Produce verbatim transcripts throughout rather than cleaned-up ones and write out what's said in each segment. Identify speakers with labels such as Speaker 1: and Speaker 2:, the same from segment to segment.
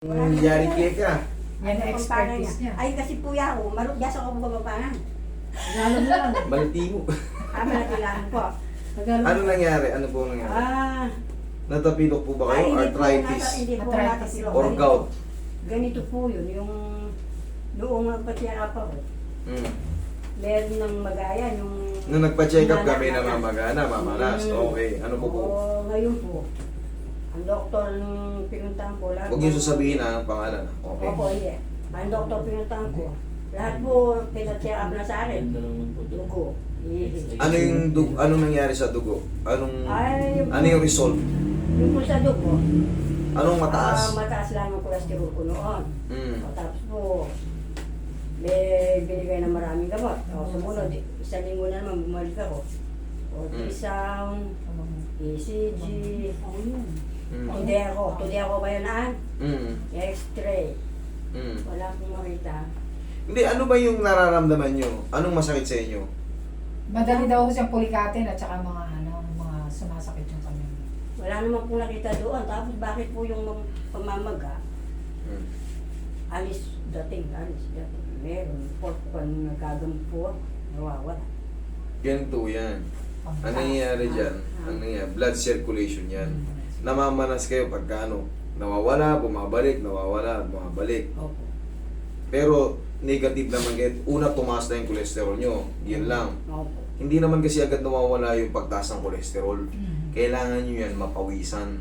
Speaker 1: Hmm, yari kaya ka.
Speaker 2: Yan ang expertise niya.
Speaker 3: Ay, kasi po yan, oh, marugdas ako bumabangan.
Speaker 2: Lalo mo lang.
Speaker 1: Balti mo.
Speaker 3: Ah, malatilaan po.
Speaker 2: Tagalog.
Speaker 1: Ano nangyari? Ano po nangyari?
Speaker 3: Ah,
Speaker 1: Natapilok po ba
Speaker 3: ay,
Speaker 1: kayo?
Speaker 3: hindi po
Speaker 1: Arthritis?
Speaker 3: nata- Hindi po
Speaker 2: Arthritis.
Speaker 3: natapilok.
Speaker 1: Or
Speaker 3: Ganito-
Speaker 1: gout?
Speaker 3: Ganito po yun, yung noong nagpatiyara pa ko.
Speaker 1: Hmm.
Speaker 3: Meron ng magayan, yung...
Speaker 1: Nung nagpa-check up
Speaker 3: Manak-
Speaker 1: kami na mamagana, mamanas.
Speaker 3: Mm.
Speaker 1: Okay, ano po po?
Speaker 3: Oo, ngayon po. Ang doktor nung pinuntahan ko, lahat...
Speaker 1: Huwag niyo sasabihin na ang pangalan. Okay.
Speaker 3: Opo, hindi. Ang doktor pinuntahan ko, lahat po pinatcheck up na sa akin. Dugo. ihis.
Speaker 1: Ano yung dugo? Anong nangyari sa dugo? Anong
Speaker 3: Ay, yung-
Speaker 1: ano yung result?
Speaker 3: Yung po sa dugo,
Speaker 1: Anong
Speaker 3: ah,
Speaker 1: mataas?
Speaker 3: mataas lang ang cholesterol ko noon.
Speaker 1: Mm.
Speaker 3: O, tapos po, may binigay na maraming gamot. O, sumunod, isang linggo na naman bumalik ako. O,
Speaker 1: Mm.
Speaker 3: isang E C G,
Speaker 1: Mm.
Speaker 3: today ako, today ako ba yun aan?
Speaker 1: Mm.
Speaker 3: X-ray.
Speaker 1: Mm.
Speaker 3: Wala akong makita.
Speaker 1: Hindi, ano ba yung nararamdaman nyo? Anong masakit sa inyo?
Speaker 2: Madali daw ko siyang pulikatin at saka mga ano, mga sumasakit yung kanyang.
Speaker 3: Wala naman po nakita doon. Tapos bakit po yung mam- pamamaga?
Speaker 1: Mm.
Speaker 3: Alis dating, alis dating. Meron. Port ko nung nagkagamot po, nawawala.
Speaker 1: Ganito yan. Ang nangyayari dyan, ang nangyayari, blood circulation yan.
Speaker 2: Hmm.
Speaker 1: Namamanas kayo pagka ano, nawawala, bumabalik, nawawala, bumabalik.
Speaker 3: Opo.
Speaker 1: Pero negative naman kahit una tumaas na yung cholesterol nyo, yun lang.
Speaker 3: Opo.
Speaker 1: Hindi naman kasi agad nawawala yung pagtaas ng cholesterol.
Speaker 2: Mm.
Speaker 1: Kailangan nyo yan mapawisan.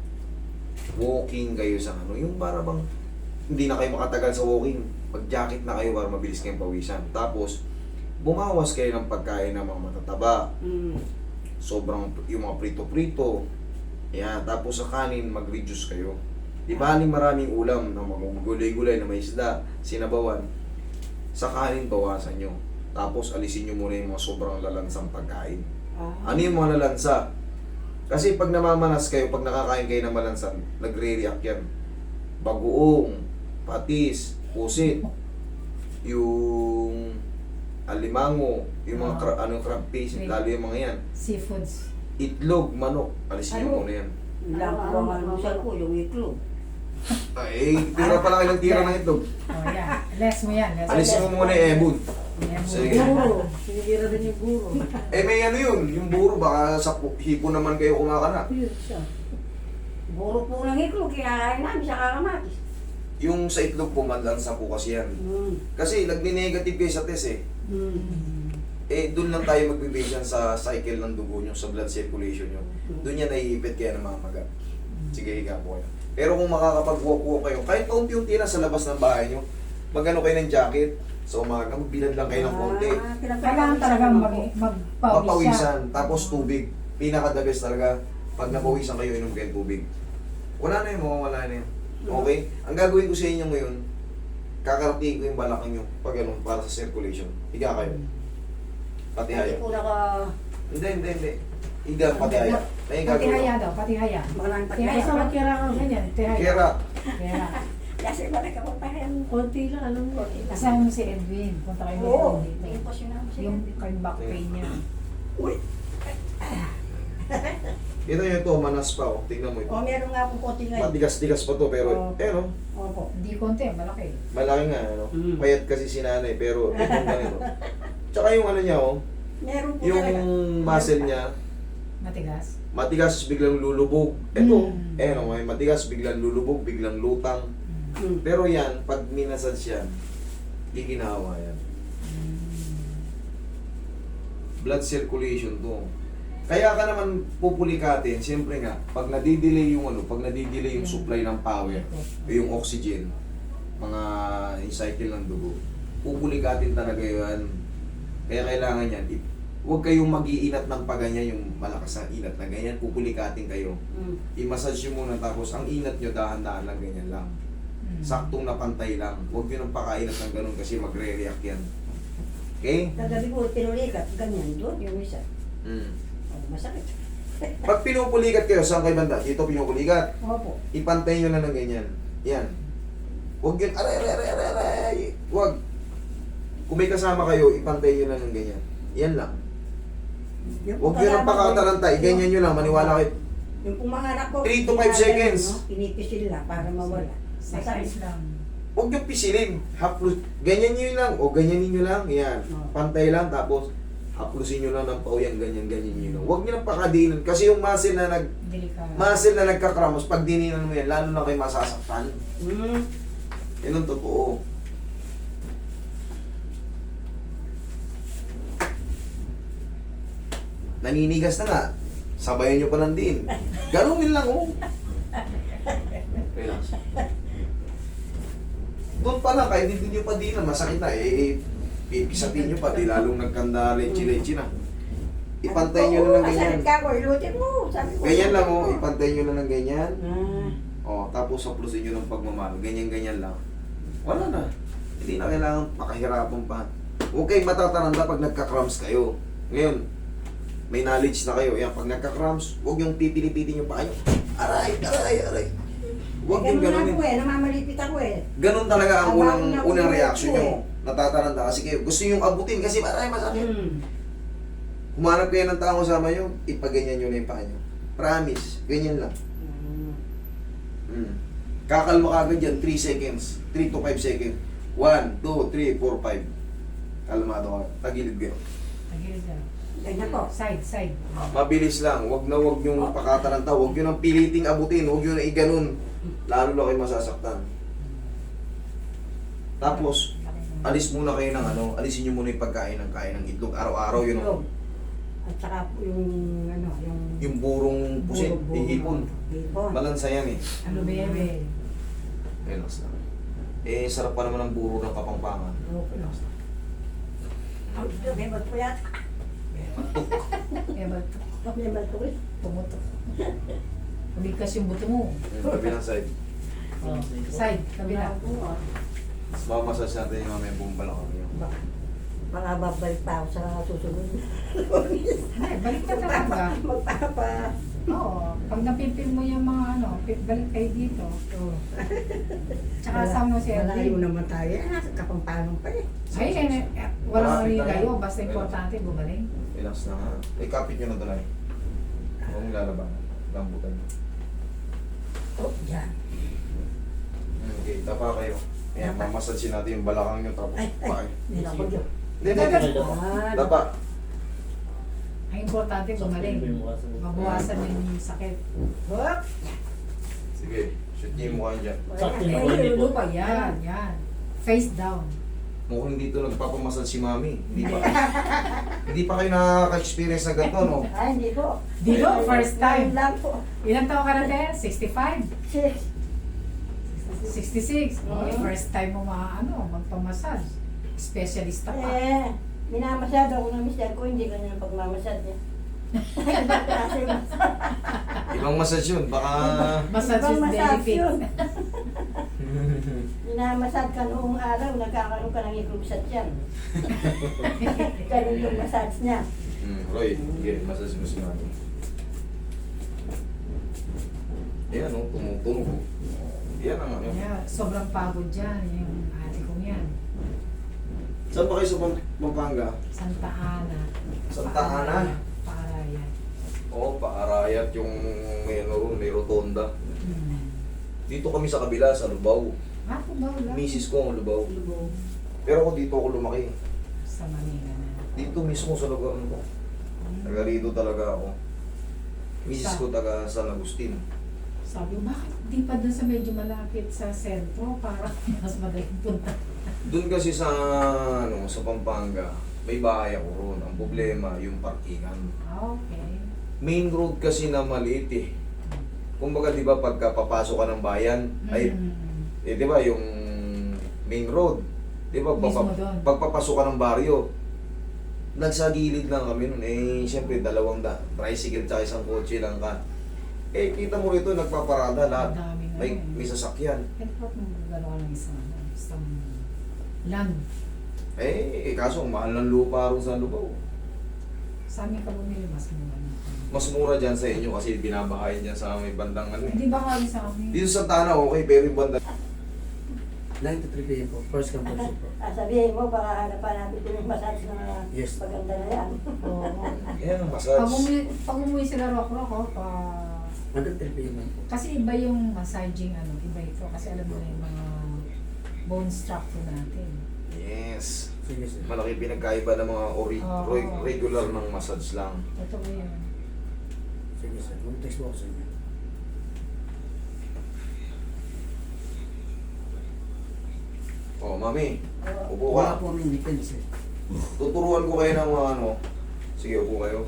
Speaker 1: Walking kayo sa ano, yung para bang hindi na kayo makatagal sa walking. Mag-jacket na kayo para mabilis kayong pawisan. Tapos, bumawas kayo ng pagkain ng mga matataba.
Speaker 3: Mm.
Speaker 1: Sobrang, yung mga prito-prito. Yan, tapos sa kanin, mag-reduce kayo. Di ba aling maraming ulam na mga gulay-gulay na may isda, sinabawan. Sa kanin, bawasan nyo. Tapos alisin nyo muna yung mga sobrang lalansang pagkain.
Speaker 3: Ah.
Speaker 1: Ano yung mga lalansa? Kasi pag namamanas kayo, pag nakakain kayo ng malansan, nagre-react yan. Bagoong, patis, pusit, yung alimango, yung mga
Speaker 2: Ah.
Speaker 1: cra- ano, crab paste,
Speaker 2: Wait.
Speaker 1: lalo yung mga yan.
Speaker 2: Seafoods.
Speaker 1: Itlog, manok, alisin nyo
Speaker 3: Ano?
Speaker 1: muna yan.
Speaker 3: Lang po ang almusal ko, yung itlog.
Speaker 1: Ay, tira pa lang ilang tira ng itlog.
Speaker 2: Oh, yan. Less mo yan. Less
Speaker 1: Alisin mo muna yung ebon.
Speaker 2: Yan mo.
Speaker 1: Sige.
Speaker 3: Guro. Sinira din yung guro.
Speaker 1: Eh may ano yun, yung buro, baka sa pu- hipo naman kayo kumakana.
Speaker 3: Yun siya. Guro po ng itlog, kinakain namin sa kakamatis.
Speaker 1: Yung sa itlog po, manlansa po kasi yan.
Speaker 3: Mm.
Speaker 1: Kasi nagni-negative kayo sa test eh.
Speaker 3: Mm.
Speaker 1: Eh, doon lang tayo magbibase yan sa cycle ng dugo nyo, sa blood circulation nyo. Doon yan naiipit kaya ng mga maga. Sige, higa po kayo. Pero kung makakapag-walk-walk kayo, kahit paunti-unti na sa labas ng bahay nyo, magano kayo ng jacket, sa umaga, magbilad lang kayo ng konti.
Speaker 3: Ah,
Speaker 2: Kailangan talagang mag, magpawis siya.
Speaker 1: Mapawisan, tapos tubig. Pinaka-the best talaga, pag napawisan kayo, inom kayo ng tubig. Wala na yun, mawawala na yun. Okay? Ang gagawin ko sa inyo ngayon, kakarating ko yung balakang nyo, pag ano, para sa circulation. Higa kayo. Pati
Speaker 3: Hindi
Speaker 1: haya.
Speaker 3: po naka...
Speaker 1: Hindi, hindi, hindi. Higa, pati haya. Na yung
Speaker 2: Pati
Speaker 1: gagawin
Speaker 2: haya
Speaker 1: ko.
Speaker 2: daw, pati haya.
Speaker 3: Maraming
Speaker 2: Kaya
Speaker 3: pagkain.
Speaker 2: sa magkira ka ganyan, pati haya.
Speaker 1: Kera.
Speaker 2: Kaya,
Speaker 3: Kasi wala ka papahin.
Speaker 4: Konti lang, alam mo.
Speaker 3: Konti lang.
Speaker 2: kasama mo si Edwin. Punta kayo ni
Speaker 3: Oo.
Speaker 2: Edwin
Speaker 3: Hindi
Speaker 2: dito.
Speaker 3: po sinama siya.
Speaker 2: Yung kay back pain niya.
Speaker 3: Uy.
Speaker 1: Ito yung ito, manas pa. Oh. Tingnan mo ito.
Speaker 3: O, meron nga akong konti ngayon.
Speaker 1: Matigas-tigas pa to, pero,
Speaker 3: Oo.
Speaker 1: eh no,
Speaker 3: Opo.
Speaker 2: Hindi konti, malaki.
Speaker 1: malaki nga, ano.
Speaker 3: Mm.
Speaker 1: Payat kasi si nanay, pero itong ganito. Tsaka yung ano niya, oh,
Speaker 3: Meron po
Speaker 1: yung
Speaker 3: talaga.
Speaker 1: muscle niya,
Speaker 2: Matigas.
Speaker 1: matigas, biglang lulubog. Ito,
Speaker 2: Mm.
Speaker 1: eh no, may matigas, biglang lulubog, biglang lutang.
Speaker 3: Mm.
Speaker 1: Pero yan, pag minasage yan, giginawa yan. Blood circulation to. Kaya ka naman pupulikatin, siyempre nga, pag nadidelay yung ano, pag nadidelay yung supply ng power, o yung oxygen, mga yung cycle ng dugo, pupulikatin talaga yan. Kaya kailangan yan, i- huwag kayong mag-iinat ng paganyan, yung malakas na inat na ganyan, pupulikatin kayo.
Speaker 3: Mm.
Speaker 1: I-massage nyo muna tapos ang inat nyo dahan-dahan lang ganyan lang.
Speaker 2: Mm.
Speaker 1: Saktong na pantay lang. Huwag nyo nang pakainat ng ganun kasi magre-react yan. Okay?
Speaker 3: Kagabi ko, pinulikat, ganyan doon, yung isa.
Speaker 1: Mm.
Speaker 3: Oh, masakit.
Speaker 1: Pag pinupulikat kayo, saan kayo banda? Dito pinupulikat.
Speaker 3: Opo.
Speaker 1: Ipantay nyo lang ng ganyan. Yan. Huwag yun, aray, aray, aray, aray, aray. Huwag. Kung may kasama kayo, ipantay nyo lang ng ganyan. Yan lang.
Speaker 3: Yung
Speaker 1: Huwag nyo nang pakatalantay. Ganyan nyo lang, maniwala kayo.
Speaker 3: Yung pong mga anak ko,
Speaker 1: three to five
Speaker 3: ginaganon,
Speaker 1: seconds.
Speaker 3: no? Pinipisil na para mawala.
Speaker 2: Exercise lang.
Speaker 1: Huwag nyo pisilin. Haplos. Ganyan nyo lang. O ganyan nyo lang. Yan. Pantay lang. Tapos, haplusin nyo lang ng pauyan. Ganyan, ganyan nyo lang. Huwag nyo lang pakadinan. Kasi yung muscle na nag
Speaker 2: Delikado.
Speaker 1: muscle na nagkakramos, pag dininan mo yan, lalo na kayo masasaktan.
Speaker 3: Hmm.
Speaker 1: Yan ang totoo. Naninigas na nga. Sabayan nyo pa lang din. Ganunin lang, oh. Relax. Doon pa lang, kahit hindi nyo pa di na, masakit na, eh, pipisatin nyo pa, di lalong nagkanda leche-leche na. Ipantay nyo na lang ganyan.
Speaker 3: Masakit ka ko, ilutin mo. Sabi ko.
Speaker 1: Ganyan lang, oh, ipantay nyo na lang ganyan.
Speaker 3: Ah.
Speaker 1: Oh, tapos haplusin nyo ng pagmamahal. Ganyan-ganyan lang. Wala na. Hindi na kailangan pakahirapan pa. Huwag kayong matataranda pag nagka-cramps kayo. Ngayon, may knowledge na kayo. Yan, pag nagka-cramps, huwag yung pipilipitin yung paa nyo. Aray, aray, aray. Huwag yung
Speaker 3: Eh, ganun
Speaker 1: ganunin.
Speaker 3: ako eh, namamalipit ako eh.
Speaker 1: Ganun talaga ang
Speaker 3: Ang
Speaker 1: unang,
Speaker 3: bago na
Speaker 1: unang
Speaker 3: ulo
Speaker 1: reaction
Speaker 3: ko
Speaker 1: nyo.
Speaker 3: eh.
Speaker 1: Natataranda kasi kayo. Gusto yung abutin kasi aray, masakit.
Speaker 3: Hmm.
Speaker 1: Humanap kayo ng tao kasama nyo, ipaganyan nyo na yung paa nyo. Promise, ganyan lang.
Speaker 3: Hmm.
Speaker 1: Mm. Kakalma ka agad yan, three seconds. three to five seconds. one, two, three, four, five. Kalmado ka. Tagilid kayo.
Speaker 2: Tagilid lang.
Speaker 3: Ganyan po.
Speaker 2: Side, side.
Speaker 1: Mabilis lang. Huwag na huwag yung pakataranta. Huwag yun ang piliting abutin. Huwag yun na iganon. Lalo na kayo masasaktan. Tapos, alis muna kayo ng ano, alisin nyo muna yung pagkain ng kain ng itlog. Araw-araw yun.
Speaker 3: Itlog.
Speaker 1: Ang,
Speaker 3: At saka po yung ano, yung...
Speaker 1: yung burong pusit,
Speaker 3: buro-buro.
Speaker 1: ihipon.
Speaker 3: Hipon.
Speaker 1: Balansa yan eh.
Speaker 2: Ano bebe?
Speaker 1: Relax lang. Eh, sarap pa naman ang buro ng kapampangan.
Speaker 3: Okay.
Speaker 1: Relax lang.
Speaker 3: Ang ito, may ba't po yata?
Speaker 2: Kaya ba
Speaker 3: May ba't po eh?
Speaker 2: pumutok? Umigas yung buto mo.
Speaker 1: Yung kabilang side.
Speaker 2: Oh. Side, kabila.
Speaker 3: Oo, ah.
Speaker 1: Mas mamasas natin yung mamaya buong balakang nyo.
Speaker 3: Ba- Baka babalik pa ako sa susunod.
Speaker 2: Ay, balik ka talaga.
Speaker 3: Magpapa.
Speaker 2: Oo. Pag napipil mo yung mga ano, pi- balik kayo dito.
Speaker 3: Oo.
Speaker 2: Tsaka sama mo si
Speaker 3: Malayo
Speaker 2: Erwin.
Speaker 3: naman tayo. Eh, nasa Kapampangan pa eh.
Speaker 2: Ay, eh, eh, walang
Speaker 1: Malapit
Speaker 2: maniligayo.
Speaker 1: tayo.
Speaker 2: Basta importante, gumaling.
Speaker 1: Relax na nga. Eh, kapit nyo na dalay. Huwag mong lalabanan. Lambutan nyo.
Speaker 3: Oh, yan.
Speaker 1: Okay, tapa kayo. Ayan, mamasansin natin yung balakang nyo. Tapos,
Speaker 3: Ay, ay.
Speaker 1: pakay.
Speaker 3: Hindi na ako dyan.
Speaker 1: Hindi, hindi, hindi.
Speaker 3: Ah,
Speaker 1: Tapa.
Speaker 2: Ang importante, gumaling. Mabawasan yung sakit.
Speaker 3: Hop!
Speaker 1: Sige, shoot nyo yung mukha nyo dyan.
Speaker 4: Sakto
Speaker 3: Ay,
Speaker 4: yung
Speaker 3: ay,
Speaker 4: body po.
Speaker 3: lupa
Speaker 2: Yan, yan. Face down.
Speaker 1: Mukhang dito nagpapamasal si Mami. Hindi pa. Hindi pa kayo nakaka-experience na ganito, no?
Speaker 3: Ay, hindi po.
Speaker 2: Dito, first time.
Speaker 3: Ngayon lang po.
Speaker 2: Ilan taon ka na din? sixty-five?
Speaker 3: Six.
Speaker 2: sixty-six? Oh,
Speaker 3: Mhm.
Speaker 2: first time mo ma, ano, magpamassage. Specialista pa.
Speaker 3: Eh, minamasyado ako ng mister ko, hindi ganyan ang pagmamasyad niya. Ibang klase yung
Speaker 1: Ibang massage yun. Baka...
Speaker 2: Massage is
Speaker 3: Ibang massage
Speaker 2: benefit.
Speaker 3: yun. Minamasyad ka noong araw, nagkakaroon ka ng ikrubsat yan. Ganun yung massage niya.
Speaker 1: Hmm, Roy, sige, massage mo si Mami. Ayan, oh, tumutunog. oh. Yan ang ano.
Speaker 2: Yeah, sobrang pagod dyan, yung ate kong yan.
Speaker 1: Saan ba kayo sa Pam- Pampanga?
Speaker 2: Santa Ana.
Speaker 1: Santa Ana?
Speaker 2: Paarayan.
Speaker 1: Oo, paarayat yung may ano ron, may rotonda.
Speaker 2: Hmm.
Speaker 1: Dito kami sa kabila, sa Lubao.
Speaker 2: Ako ba wala?
Speaker 1: Misis ko ang Lubao.
Speaker 2: Lubog.
Speaker 1: Pero ako dito ako lumaki.
Speaker 2: Sa Manila na.
Speaker 1: Dito mismo sa lugar ano ko.
Speaker 2: Hmm.
Speaker 1: Taga rito talaga ako. Misis
Speaker 2: Sa-
Speaker 1: ko taga San Agustin.
Speaker 2: Sabi ko, bakit di pa dun sa medyo malapit sa sentro para mas madaling punta?
Speaker 1: Doon kasi sa ano, sa Pampanga, may bahay ako ron. Ang problema, yung parkingan.
Speaker 2: Ah, okay.
Speaker 1: Main road kasi na maliit eh. Kumbaga, di ba, pagka papasok ka ng bayan, ay,
Speaker 2: Mm.
Speaker 1: eh, di ba, yung main road, di ba,
Speaker 2: Mismo
Speaker 1: papa-
Speaker 2: doon.
Speaker 1: pagpapasok ka ng baryo, nagsagilid lang kami nun. Eh, siyempre, dalawang da, tricycle tsaka isang kotse lang ka. Eh, kita mo rito, nagpaparada lahat.
Speaker 2: Ang daming
Speaker 1: May,
Speaker 2: ano eh.
Speaker 1: may sasakyan.
Speaker 2: Kaya ba't mo gano'n ng isang, ano, isang land?
Speaker 1: Eh, eh, kaso, ang mahal ng lupa ron sa Lubao.
Speaker 2: Sa amin ka bumili, mas mura na.
Speaker 1: Mas mura dyan sa inyo kasi binabahayan dyan sa may bandang ano eh.
Speaker 2: Hindi ba kami sa amin?
Speaker 1: Dito sa Tana, okay, pero yung banda.
Speaker 4: nine to three p m po. First come, first serve po.
Speaker 3: Ah, sabihin mo, baka hanapan natin kung yung massage na
Speaker 4: Yes.
Speaker 3: maganda na yan.
Speaker 2: Oo.
Speaker 1: Yan ang
Speaker 2: Pag
Speaker 1: massage.
Speaker 2: umuwi, pag umuwi sila rock rock, oh, pa...
Speaker 4: one to three p m po.
Speaker 2: Kasi iba yung massaging, ano, iba ito. structure kasi alam mo na yung mga bone structure natin.
Speaker 1: Yes.
Speaker 4: Sige, sir.
Speaker 1: Malaki pinagkaiba ng mga ori-
Speaker 2: Oo.
Speaker 1: re- regular ng massage lang.
Speaker 2: Totoo yan.
Speaker 4: Sige, sir. Mag-text mo ako sa inyo.
Speaker 1: Oh, mami,
Speaker 3: Oo.
Speaker 1: upo
Speaker 4: Wala
Speaker 1: ka.
Speaker 4: po kami weekends eh.
Speaker 1: Tuturuan ko kayo ng mga ano. Sige, upo kayo.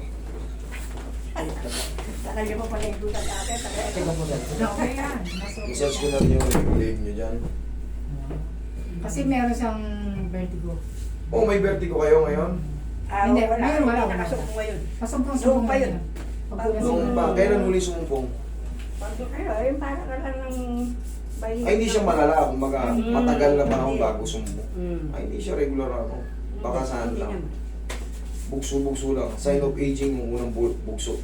Speaker 3: Sa kanya pa pala yung dutan natin.
Speaker 4: Teka po, sir.
Speaker 2: Okay yan. Mas okay
Speaker 1: Massage ko
Speaker 2: yan.
Speaker 1: na rin yung leg nyo dyan.
Speaker 2: Kasi meron siyang vertigo.
Speaker 1: Oh, may vertigo kayo ngayon?
Speaker 3: Ah,
Speaker 2: Hindi,
Speaker 3: wala.
Speaker 2: meron, wala,
Speaker 3: Hindi
Speaker 2: wala.
Speaker 3: nakasuko ngayon.
Speaker 2: Pasumpong-sumpong
Speaker 3: Noong pa yun.
Speaker 1: Nung pa, kailan huli sumumpong?
Speaker 3: Pagod kayo, yung parang ka lang ng bayi.
Speaker 1: Ay, hindi siya malala. Kumbaga,
Speaker 3: Mm.
Speaker 1: matagal na panahon
Speaker 3: Hindi.
Speaker 1: bago sumumpong.
Speaker 3: Mm.
Speaker 1: Ay, hindi siya regular ano. Baka saan
Speaker 3: Hindi
Speaker 1: lang.
Speaker 3: naman.
Speaker 1: Bugso-bugso lang. Sign of aging yung unang bu- bugso.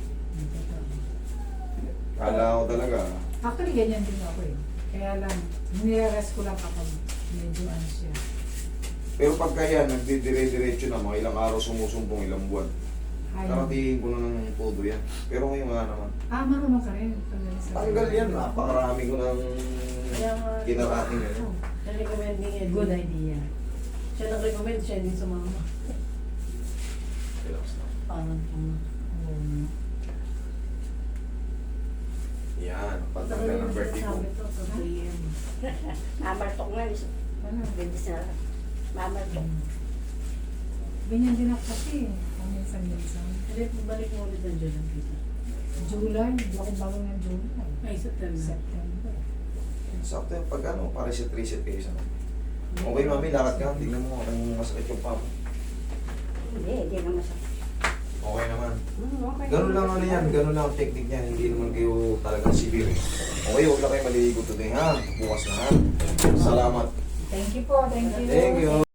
Speaker 1: Kala ko talaga.
Speaker 2: Actually, ganyan din ako eh. Kaya lang, nire-rest ko lang kapag medyo ano siya.
Speaker 1: Pero pagka yan, nagdidire-diretso na, mga ilang araw sumusumpong, ilang buwan.
Speaker 2: Ayaw.
Speaker 1: Karatingin ko na ng todo yan. Pero ngayon wala naman.
Speaker 2: Ah, marunong ka rin. Tanggal sa-
Speaker 1: Tanggal yan, napakarami ko ng
Speaker 5: Kaya nga,
Speaker 1: kinarating yan.
Speaker 2: Oh,
Speaker 5: na-recommend ni Edwin.
Speaker 2: good idea.
Speaker 5: Siya nag-recommend, siya din sumama.
Speaker 1: Relax na.
Speaker 5: Parang, um,
Speaker 2: Um,
Speaker 1: Yan, pagtanggal ng vertigo.
Speaker 5: Sabi to, totoo yan.
Speaker 3: Mamartok nga.
Speaker 2: ano?
Speaker 3: Bendis na lang. Mamartok.
Speaker 2: Ganyan din ako kasi. Paminsan-minsan.
Speaker 5: Hindi, balik mo ulit ang dyan ang kita.
Speaker 2: July, hindi ako bago ng July.
Speaker 5: Ay, September.
Speaker 2: September.
Speaker 1: Sakto yan, pag ano, pa-reset-reset kayo sa Okay, mami, lakad ka. Tingnan mo, kung masakit yung pump.
Speaker 3: Hindi, hindi na masakit.
Speaker 1: Okay naman.
Speaker 3: Hmm, okay.
Speaker 1: Ganun lang ano yan, ganun lang ang technique niyan. Hindi naman kayo talagang severe. Okay, huwag lang kayo maliligo today ha. Bukas na ha. Salamat.
Speaker 2: Thank you po, thank you.
Speaker 1: Thank you.